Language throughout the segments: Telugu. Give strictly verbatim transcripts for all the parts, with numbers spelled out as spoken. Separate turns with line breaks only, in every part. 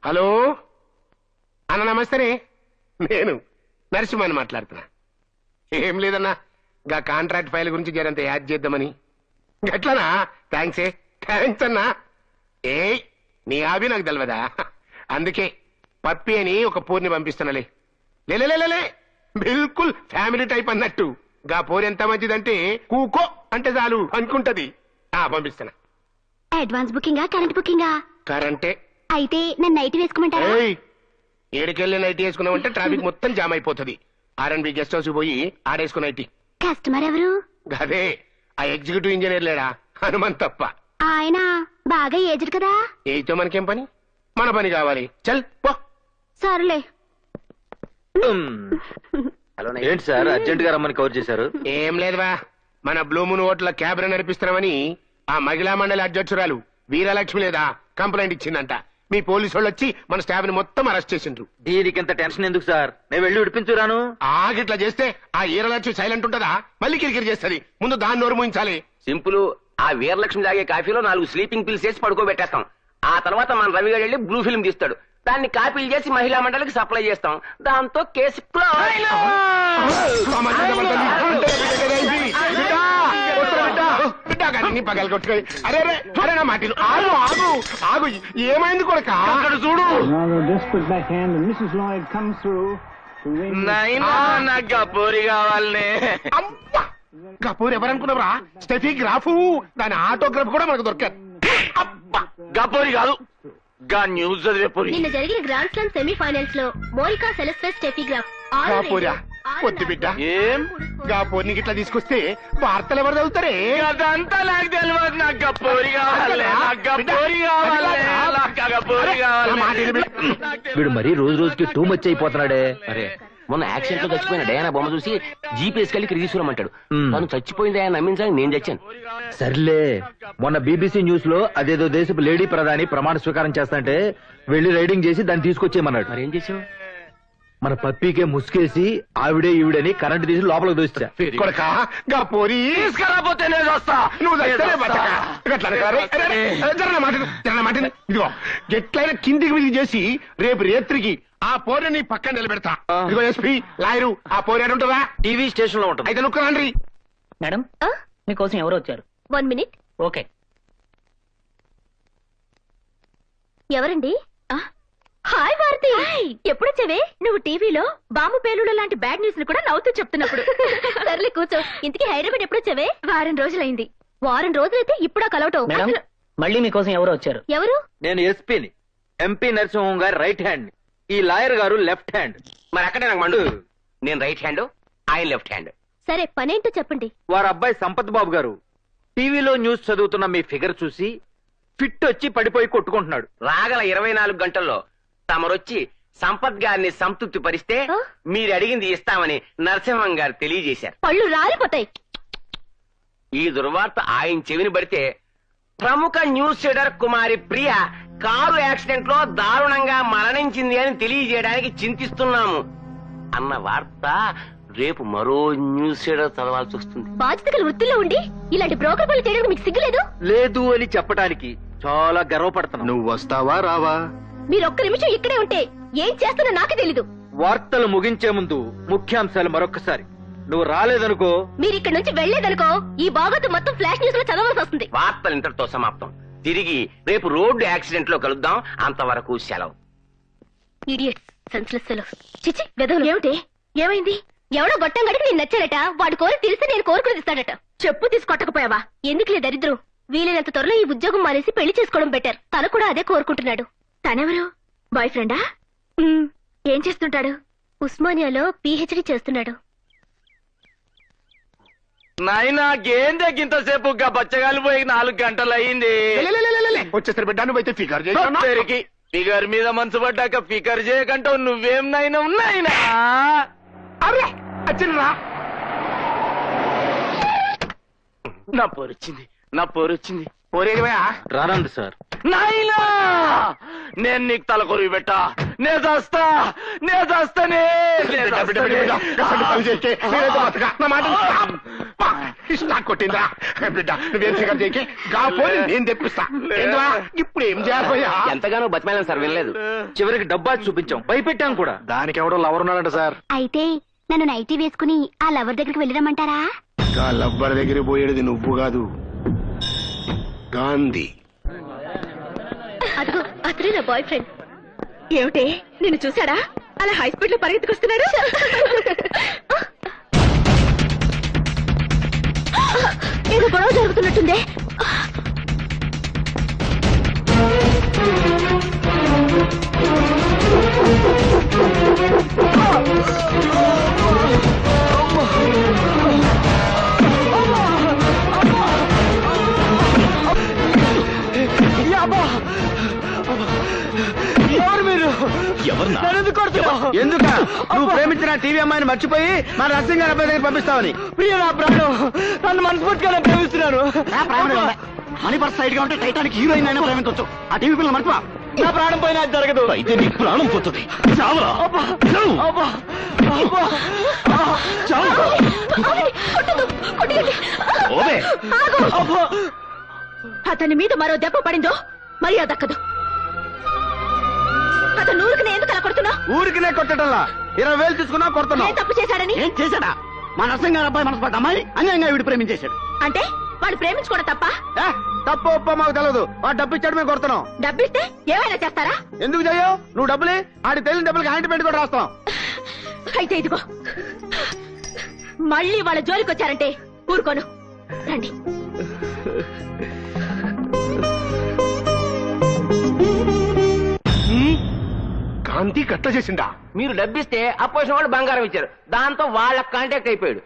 హలో అన్న నమస్తేనే, నేను నరసింహని మాట్లాడుతున్నా. ఏం లేదన్నా, గా కాంట్రాక్ట్ ఫైల్ గురించి జరంత యాడ్ చేద్దామని. గట్లనా? థ్యాంక్స్ ఏ థ్యాంక్స్ అన్నా. ఏ నీ ఆబి నాకు తెలియదా? అందుకే పప్పి అని ఒక పూర్ని పంపిస్తున్నాలే. లేలే బిల్కుల్ ఫ్యామిలీ టైప్ అన్నట్టు. గా పోరు ఎంత మంచిదంటే కూకో అంటే చాలు అనుకుంటది. ఆ పంపిస్తున్నా.
Advance బుకింగా current బుకింగా?
కరెంటే.
అయితే నన్ను నైట్ వేసుకోమంటారా?
ఏడుకెళ్ళి నైట్ వేసుకున్నామంటే ట్రాఫిక్ మొత్తం జామ్ అయిపోతుంది. ఆర్ఎన్బి గెస్ట్ హౌస్ పోయి ఆడేసుకున్న నైట్.
కస్టమర్ ఎవరు?
అదే ఆ ఎగ్జిక్యూటివ్ ఇంజనీర్ లేడా, హనుమంత్ తప్ప.
ఆయన బాగా ఏజ్డ్ కదా.
ఏతో మనకేం పని, మన పని కావాలి. చల్ పో.
సర్లే.
ఏంటి సార్ అర్జెంట్ గా రమ్మని కవర్ చేశారు?
ఏం లేదువా, మన బ్లూమున్ హోటల్ క్యాబ్ నడిపిస్తున్నామని ఆ మహిళా మండలి అధ్యక్షురాలు వీరలక్ష్మి లేదా కంప్లైంట్ ఇచ్చిందంట. మీ పోలీసు వాళ్ళు వచ్చి మన స్టాఫ్ ని మొత్తం అరెస్ట్ చేసిండ్రు.
దీనికి ఇంత టెన్షన్ ఎందుకు సార్? నేను వెళ్ళి విడిపించురాను.
ఆగిట్లా చేస్తే ఆ వీరలక్ష్మి సైలెంట్ ఉంటదా? మళ్ళీ కిరికిరి చేస్తుంది. ముందు దాన్ని నోరు మూయించాలి.
సింపుల్. ఆ వీరలక్ష్మి తాగే కాఫీలో నాలుగు స్లీపింగ్ పిల్స్ వేసి పడుకోబెట్టేస్తాం. ఆ తర్వాత మన రవి గారు వెళ్ళి బ్లూ ఫిల్మ్ తీస్తాడు. దాన్ని కాపీలు చేసి మహిళా మండలికి సప్లై చేస్తాం. దాంతో కేసు
పగలు కొట్టుకో. అరే అరే నా మాటలు ఆగు ఆగు ఆగు. ఏమైంది కొడుక? అక్కడ చూడు.
గపూరి కావాలనే.
గపూర్ ఎవరనుకున్నావురా? Steffi Graf. దాని ఆటోగ్రాఫ్ కూడా మనకు దొరకదు.
గపూరి కాదు, గా న్యూస్ చదివే పూరి.
నిన్న జరిగిన గ్రాండ్ స్లామ్ సెమీఫైనల్స్ లో మోనికా సెలెస్టెస్ స్టెఫీ గ్రాఫ్
గాపూరా పొద్దు బిడ్డ.
ఏం
గాపూర్ని గిట్లా తీసుకొస్తే వార్తలు ఎవరు చదువుతారే?
అదంతా నాకు తెలియదు. నాకు గపూరి కావాలి, నాకు గపూరి కావాలి, నాకు గపూరి కావాలి.
వీడు మరీ రోజు రోజుకి టూ మచ్ అయిపోతున్నాడే. అరే మొన్న యాక్సిడెంట్ లో చచ్చిపోయిన డయానా బొమ్మ చూసి జీపీఎస్ కలిగి ఇక్కడ తీసుకురమ్మంటాడు. తను చచ్చిపోయింది ఆయన నమ్మించాలని నేను చచ్చాను.
సర్లే, మొన్న బీబీసీ న్యూస్ లో అదేదో దేశపు లేడీ ప్రధాని ప్రమాణ స్వీకారం చేస్తాంటే వెళ్లి రైడింగ్ చేసి దాన్ని తీసుకొచ్చేయమన్నాడు.
మరి ఏం చేసావు?
మన పప్పీకే ముసుకేసి ఆవిడే ఈవిడని కరెంట్ తీసి లోపలికి దోస్తా.
కొడకా గాపూరి
తీసుకురాపోతే నేను వస్తా.
నువ్వు ఇదిగో ఎట్లయినా కిందికి మీదికి చేసి రేపు రేత్రికి ఆ పోరని పక్కన నిలబెడతా. ఇదిగో ఎస్పీ లాయరు, ఆ పోరేడు ఉంటుందా?
టీవీ స్టేషన్ లో ఉంటుంది.
అయితే నువ్వు రండి.
మేడం మీకోసం ఎవరు వచ్చారు?
One minute.
ఓకే.
ఎవరండి? హాయ్ భారతి, ఎప్పుడొచ్చావే? నువ్వు టీవీలో బాంబు పేలుడు లాంటి బ్యాడ్ న్యూస్ ని కూడా నవ్వుతూ చెప్తున్నప్పుడు. సర్లే కూర్చో. ఇంతకీ హైదరాబాద్ ఎప్పుడొచ్చావే? వారం రోజులైంది. వారం రోజులైతే ఇప్పుడా కలవటం?
మేడం మళ్ళీ మీకోసం ఎవరు వచ్చారు?
ఎవరు?
నేను ఎస్పీని, ఎంపీ నరసింహం గారి రైట్ హ్యాండ్. ఈ లాయర్ గారు లెఫ్ట్ హ్యాండ్.
మరి అక్కడే నాకు మండు. నేను రైట్ హ్యాండ్, ఆయన లెఫ్ట్ హ్యాండ్.
సరే పనేంటో చెప్పండి.
వారి అబ్బాయి సంపత్ బాబు గారు టీవీలో న్యూస్ చదువుతున్న మీ ఫిగర్ చూసి ఫిట్ వచ్చి పడిపోయి కొట్టుకుంటున్నాడు.
రాగల ఇరవై నాలుగు గంటల్లో తమరొచ్చి సంపత్ గారిని సంతృప్తి పరిస్తే మీరు అడిగింది ఇస్తామని నరసింహం గారు తెలియజేశారు.
పళ్ళు రాలిపోతాయి.
ఈ దుర్వార్త ఆయన చెవిని పడితే ప్రముఖ news reader Kumari Priya car accident లో దారుణంగా మరణించింది అని తెలియజేయడానికి చింతిస్తున్నాము అన్న వార్త రేపు మరో న్యూస్ రీడర్ చదవాల్సి వస్తుంది.
బాధ్యత గల వృత్తిలో ఉండి ఇలాంటి బ్రోకర్ పనులు చేయడానికి మీకు సిగ్గులేదు?
లేదు అని చెప్పడానికి చాలా గర్వపడుతున్నా.
నువ్వు వస్తావా రావా?
మీరు ఒక్క నిమిషం ఇక్కడే ఉంటే ఏం చేస్తున్నా నాకే తెలీదు.
వార్తలు ముగించే ముందు ముఖ్యాంశాలు మరొకసారి. నువ్వు రాలేదనుకో,
మీరు ఇక్కడ నుంచి వెళ్లేదనుకో, ఈ బాగోతు మొత్తం ఫ్లాష్ న్యూస్ లో చదవాల్సి వస్తుంది.
వార్తలు ఇంతటితో సమాప్తం. తిరిగి రేపు రోడ్డు యాక్సిడెంట్ లో కలుద్దాం. అంతవరకు సెలవు.
Idiots, senseless fellows. చిచి వెదవులు. ఏమిటి? ఏమైంది? ఎవడో గొట్టం గడికి నేను నచ్చాడట. వాడు కోరి తెలిస్తే నేను కోరుకుని ఇస్తాడట. చెప్పు తీసుకొట్టకపోయావా? ఎందుకులే దరిద్రం. వీలైనంత త్వరలో ఈ ఉద్యోగం మానేసి పెళ్లి చేసుకోవడం బెటర్. తను కూడా అదే కోరుకుంటున్నాడు. తనెవరు? బాయ్ ఫ్రెండా? ఏం చేస్తుంటాడు? ఉస్మానియాలో పీహెచ్డీ చేస్తున్నాడు.
నాయనా గేందే గింతసేపు బచ్చగాలు పోయి నాలుగు గంటలు అయింది.
వచ్చేసరి బిడ్డ నువ్వైతే ఫిగర్ చేసి
ఫిగర్ మీద మనసు పడ్డాక ఫిగర్ చేయకంటావు. నువ్వేం నాయన ఉన్నాయినా?
అరే వచ్చిండ్రా.
నా పోరొచ్చింది, నా పోరొచ్చింది.
పోరేదివా?
రానండి సార్. నాయనా నేను నీకు తలకొరివి పెట్టా. నే చేస్తా, నే చేస్తానే.
బిడ్డ బిడ్డ బిడ్డ అబ్బా, ఇష్టా కొట్టిందా బిడ్డ నువ్వేం ఫిగర్ చేయకే గా పోని నేను తెప్పిస్తా ఏందిరా? ఇప్పుడు ఏం చేయాలయ్యా?
ఎంతగానో బతిమాలను సార్ వినలేదు.
చివరికి డబ్బా చూపించాం భయపెట్టాం కూడా.
దానికి ఎవడో లవర్ ఉన్నాడంట సార్.
అయితే నన్ను నైటీ వేసుకుని ఆ లవర్ దగ్గరికి వెళ్ళిరమ్మంటారా?
గా లవ్వర్ దగ్గర పోయేది నువ్వు కాదు, గాంధీ.
అదిగో అతనే నా బాయ్ ఫ్రెండ్. ఏమిటి నిన్ను చూసాడా? అలా హై స్పీడ్ లో పరిగెత్తుకొస్తున్నాడు. ఏదో గొడవ జరుగుతున్నట్టుందే.
ఎందుక నువ్వు ప్రేమించిన టీవీ అమ్మాయిని మర్చిపోయి మా నర్సింగ్ అబ్బాయి దగ్గర పంపిస్తావని? ప్రియ నా ప్రాణం, నన్ను మనస్ఫూర్తిగా ప్రేమిస్తున్నాను.
మనీ పర్స్ సైడ్ గా ఉంటే టైటానిక్ హీరోయిన్ అయినా ప్రేమించవచ్చు. ఆ టీవీ పిల్లలు మర్చిపో.
నా ప్రాణం పోయినా అది జరగదు.
అయితే నీ ప్రాణం పోతుంది. చావరా?
అతని మీద మరో దెబ్బ పడిందో మర్యాద దక్కదు. అతను ఊరికి ఎందుకు అలా కొడుతున్నా?
ఊరికినే కొట్టడంలా ఇరవై వేలు తీసుకున్నా కొడుతున్నా.
ఏం తప్పు చేశాడని?
ఏం చేశాడా? మా నర్సింగ్ గారు అబ్బాయి మనసు పడ్డ అమ్మాయి అన్యాయంగా వీడు ప్రేమించేశాడు.
అంటే వాడు ప్రేమించుకోవడం తప్ప?
ఏ, తప్పు ఒప్ప మాకు తెలియదు. వాడు డబ్బు ఇచ్చాడు మేము కొడుతున్నాం.
డబ్బిస్తే ఏమైనా చేస్తారా?
ఎందుకు చెయ్యవు? నువ్వు డబ్బులే ఆడి తెలియని డబ్బులకి హ్యాండ్ పెట్టి కూడా రాస్తాం.
అయితే ఇదిగో మళ్ళీ వాళ్ళ జోలికి వచ్చారంటే ఊరుకోను. రండి.
గాంధీ కట్ట చేసిండా?
మీరు డబ్బిస్తే అపోజిషన్ వాళ్ళు బంగారం ఇచ్చారు, దాంతో వాళ్ళ కాంటాక్ట్ అయిపోయాడు.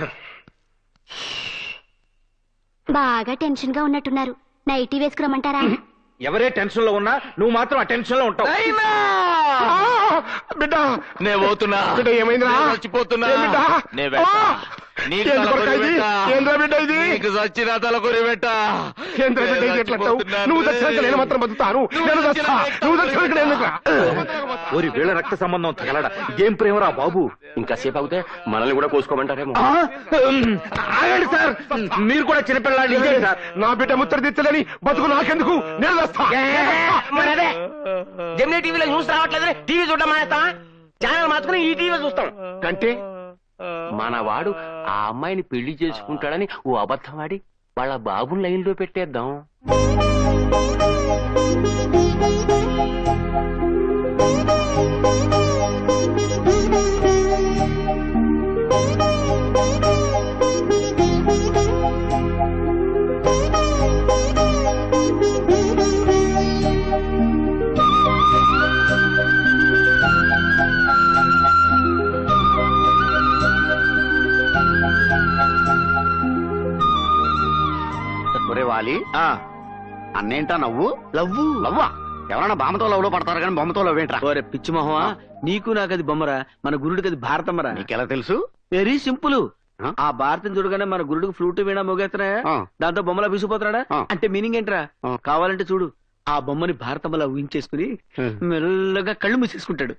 బాగా టెన్షన్ గా ఉన్నట్టున్నారు. నైటీ వేసుకురమ్మంటారా?
ఎవరే టెన్షన్ లో ఉన్నా నువ్వు మాత్రం ఆ టెన్షన్ లో ఉంటావు.
బిడ్డ
నే పోతున్నా.
బిడ్డ ఏమైందిరా?
చచ్చిపోతున్నా.
ఏ బిడ్డ?
నే వెళ్తా.
ఆ!
నీకు
ఏంది
తల
కొరక
కొరి
ఇది?
పెట్టా.
ఏంద్రా బిడ్డ ఇది?
నీకు చచ్చిన తల కొరి పెట్టా.
ఏంద్రా బిడ్డ ఇది ఎట్లా అంటావు? నువ్వు చచ్చినాక నేను మాత్రం బతుకుతాను. నేను చస్తా. నువ్వు చచ్చినాక నేను ఎందుకురా?
ఓరి వీళ్ళ రక్త సంబంధం తగలడా? ఇదేం ప్రేమరా బాబు?
ఇంకా సేపు అవుతే మనల్ని కూడా కోసుకోమంటారేమో.
ఆ? ఆగండి సార్, మీరు కూడా చిన్నపిల్లాడి సార్.
నా బిడ్డ ముత్తర తెచ్చలేని బతుకు నాకెందుకు? నేను చస్తా.
మరదే జెమినీ టీవీలో న్యూస్ రావట్లేదని టీవీ చూడడం మానేస్తావా? ఛానల్ మార్చుకుని ఈ టీవీ చూస్తాం.
అంటే
మన వాడు ఆ అమ్మాయిని పెళ్లి చేసుకుంటాడని ఓ అబద్ధం ఆడి వాళ్ళ బాబుని లైన్ లో పెట్టేద్దాం.
ఒరే వాలి,
ఆ,
అన్నేంటా నవ్వు?
లవ్వు
లవ్వా? ఎవరైనా బామ్మతో లవ్ లో పడతారు కానీ బొమ్మతో లవ్ ఏంట్రా?
ఓరే పిచ్చి మొహమా, నీకు నాకది బొమ్మరా, మన గురుడికి అది భారతమ్మరా.
నీకెలా తెలుసు?
Very simple.
ఆ?
ఆ భారతం చూడగానే మన గురుడికి ఫ్లూట్ వీణా మోగేస్తున్నాయా,
ఆ.
దాంతో బొమ్మలా విసిపోతున్నాడా?
ఆ.
అంటే మీనింగ్ ఏంట్రా?
ఆ.
కావాలంటే చూడు, ఆ బొమ్మని భారతమ్మలా ఊహించేసుకుని
హ్మ్.
మెల్లగా కళ్ళు మూసేసుకుంటాడు.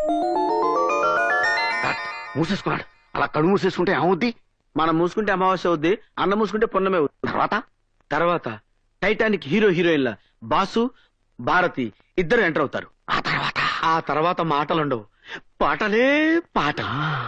కట్. మూసేసుకున్నాడు. అలా కళ్ళు మూసేసుకుంటే ఏమవుద్ది?
మనం మూసుకుంటే అమావాస్య అవుద్ది, అన్న మూసుకుంటే పున్నమే అవుద్ది.
తర్వాత
తర్వాత టైటానిక్ హీరో హీరోయిన్ల బాసు భారతి ఇద్దరు ఎంటర్ అవుతారు.
ఆ తర్వాత
ఆ తర్వాత మాటలుండవు, పాటలే పాట.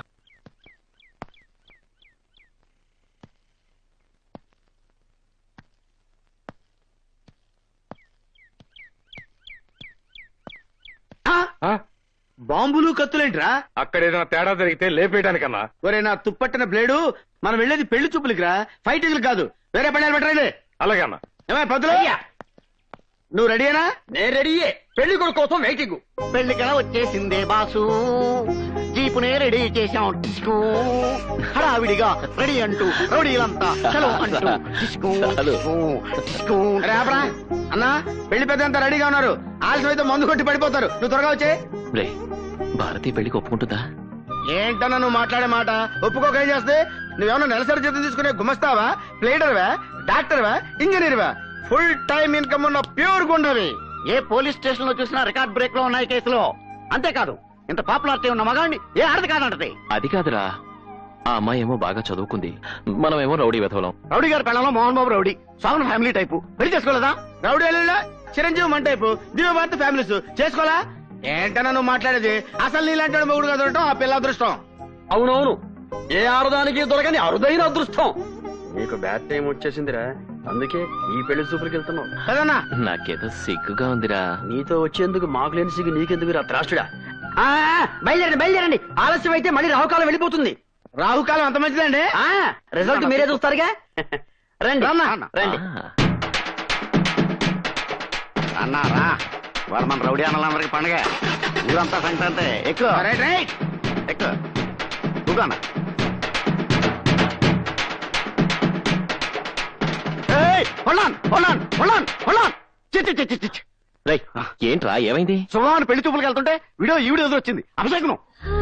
ఆ? బాంబులు కత్తులేంట్రా?
అక్కడ ఏదైనా తేడా జరిగితే లేపేయడానికన్నా.
ఒరే నా తుప్పట్టిన బ్లేడు, మనం వెళ్ళేది పెళ్లి చూపులకి రా, ఫైటింగ్లు కాదు. వేరే పని పెట్టరా?
అలాగే అన్న.
ఏమై పద్దులు, నువ్వు రెడీయేనా?
నేను రెడీయే. పెళ్లి కొడుకు కోసం వెయిటింగ్.
పెళ్లికలా వచ్చేసిందే బాసు, జీపునే రెడీ చేశాం. డిస్కో హడావిడిగా రెడీ అంటూ రౌడీలంతా చలో అంటూ డిస్కో డిస్కో డిస్కో.
రేపరా అన్నా, పెళ్లి పెద్ద అంతా రెడీగా ఉన్నారు. ఆలస్యం అయితే మందు కొట్టి పడిపోతారు. నువ్వు త్వరగా వచ్చే.
భారతి పెళ్లికి ఒప్పుకుంటుందా?
ఏంటన్నా నువ్వు మాట్లాడే మాట? ఒప్పుకోక ఏం చేస్తే? నువ్వేమన్నా నెలసరి జీతం తీసుకునే గుమస్తావా, ప్లేడర్వా, డాక్టర్వా, ఇంజనీర్వా? ఫుల్ టైం ఇన్కమ్ ఉన్న ప్యూర్ గుండవి.
ఏ పోలీస్ స్టేషన్ లో చూసినా రికార్డ్ బ్రేక్ లో ఉన్నాయి కేసులో. అంతేకాదు, ఇంత పాపులారిటీ ఉన్న మగాడిని ఏ ఆడది కాదంటది.
అది కాదురా,
ఆ అమ్మాయి ఏమో బాగా చదువుకుంది, మనమేమో రౌడీ వెధవలం.
రౌడీ గారి పెళ్ళంలో మోహన్ బాబు రౌడీ, సాగున్ ఫ్యామిలీ టైపు. పెళ్లి చేసుకోలేదా?
రౌడీ అల్లుళ్ళ చిరంజీవి మన టైపు దివ్య భారత ఫ్యామిలీస్ చేసుకోవాలా? ఏంటన్నా నువ్వు మాట్లాడేది? అసలు నీలాంటి మొగుడుగా దొరకటం ఆ పిల్ల అదృష్టం.
అవునవును, ఏ ఆరుదానికి దొరకని అరుదైన అదృష్టం.
నీకు బ్యాడ్ టైం వచ్చేసిందిరా, అందుకే ఈ పెళ్లి చూపులకి వెళ్తున్నావు కదన్నా.
నాకేదో సిగ్గుగా ఉందిరా.
నీతో వచ్చేందుకు మాకు లేని సిగ్గు నీకెందుకు రా త్రాష్టుడా? బయలుదేరండి బయలుదేరండి, ఆలస్యం అయితే మళ్ళీ రాహుకాలం వెళ్ళిపోతుంది.
రాహుకాలం అంత మంచిదండి.
రిజల్ట్ మీరే చూస్తారుగా. రండి రండి
ఆ,
అన్నారా, వాళ్ళ మన రౌడీ అన్నలందరికి పండగ, ఊరంతా సంక్రాంతి. ఎక్కువ
రైట్ రైట్.
ఎక్కువ కూగానా.
రేయ్, ఏంట్రా ఏమైంది?
సుమాను పెళ్లి చూపులకు వెళ్తుంటే వీడియో ఈ వీడియో ఎదురొచ్చింది. అభిషేకం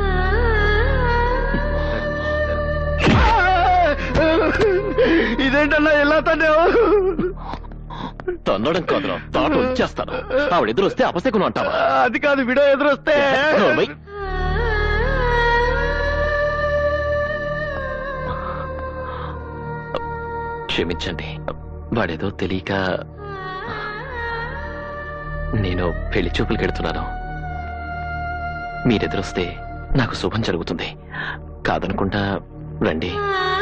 ఇదేంటన్నా ఎలా తనే?
తన్నడం కాదురా, తాట వచ్చేస్తాను. ఆవిడ ఎదురు వస్తే అపశకును అంటావా?
అది కాదు, వీడియో ఎదురొస్తే.
నోర్మై. క్షమించండి, వాడేదో తెలియక. నేను పెళ్లి చూపులకి వెళ్తున్నాను. మీరెదురొస్తే నాకు శుభం జరుగుతుంది. కాదనుకుంటా రండి.